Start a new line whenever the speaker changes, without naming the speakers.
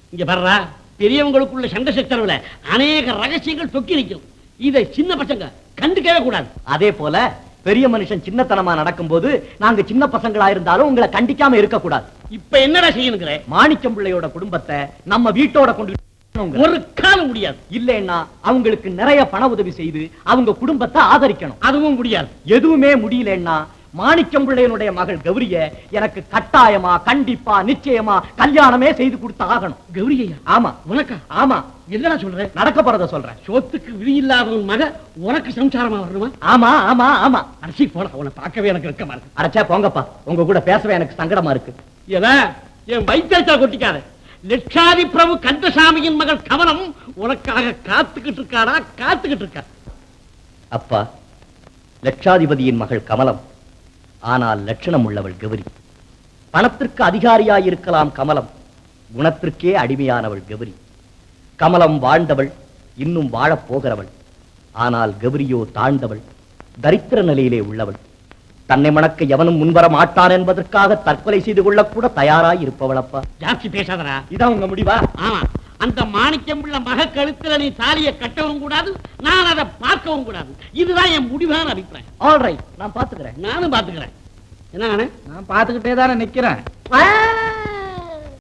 இங்க வர்றா, பெரியவங்களுக்குள்ள சண்டை சச்சரவுல அநேக ரகசியங்கள் தொக்கி நிற்கும். இதை சின்ன பசங்க கண்டுக்கவே கூடாது.
அதே போல பெரிய மனுஷன் சின்னத்தனமா நடக்கும்போது நாங்க சின்ன பசங்களா இருந்தாலும் உங்களை கண்டிக்காம இருக்க கூடாது.
இப்ப என்னடா செய்யணுங்கிற?
மாணிக்கம் பிள்ளையோட குடும்பத்தை நம்ம வீட்டோட கொண்டு
ஒரு காலம் முடியாது.
இல்லைன்னா அவங்களுக்கு நிறைய பண உதவி செய்து அவங்க குடும்பத்தை ஆதரிக்கணும்.
அதுவும் முடியாது.
எதுவுமே முடியலன்னா மாணிக்கம் பிள்ளையனுடைய மகள் கௌரிய எனக்கு கட்டாயமா கண்டிப்பா நிச்சயமா கல்யாணமே செய்து கொடுத்து ஆகணும்.
கௌரியா?
ஆமா.
உனக்கா?
ஆமா.
என்னடா சொல்ற?
நடக்க போறத சொல்றேன்.
சொத்துக்கு விதி இல்லாத மக உனக்கு சம்சாரமா வரணுமா?
ஆமா ஆமா ஆமா.
அரிசி போட அவனை பார்க்கவே எனக்கு வெக்கமா இருக்கு.
அரைச்சா போங்கப்பா, உங்க கூட பேசவே எனக்கு சங்கடமா இருக்கு.
என் வைத்தியத்தை கொட்டிக்காத. லட்சாதி பிரபு கந்தசாமியின் மகள் கமலம் உனக்காக காத்துக்கிட்டு இருக்காடா, காத்துக்கிட்டு இருக்கா.
அப்பா, லட்சாதிபதியின் மகள் கமலம், ஆனால் லட்சணம் உள்ளவள் கௌரி. பணத்திற்கு அதிகாரியாயிருக்கலாம் கமலம், குணத்திற்கே அடிமையானவள் கௌரி. கமலம் வாழ்ந்தவள், இன்னும் வாழப் போகிறவள். ஆனால் கௌரியோ தாழ்ந்தவள், தரித்திர நிலையிலே உள்ளவள். தன்னை மணக்க எவனும் முன்வர மாட்டான் என்பதற்காக தற்கொலை செய்து கொள்ளக்கூட தயாராய் இருப்பவள். அப்பா,
ஜாஸ்தி பேசாதரா.
இதான் உங்க முடிவா?
ஆமா. அந்த மாணிக்கம் உள்ள மக கழுத்துல நீ தாலியை கட்டவும் கூடாது, நான் அதை பார்க்கவும் கூடாது. இதுதான் என் முடிவான அபிப்பிராயம்.
ஆல் ரைட், நான் பாத்துக்கிறேன்.
நானும் பாத்துக்கிறேன். என்ன?
நான் பாத்துக்கிட்டே தானே நிக்கிறேன்.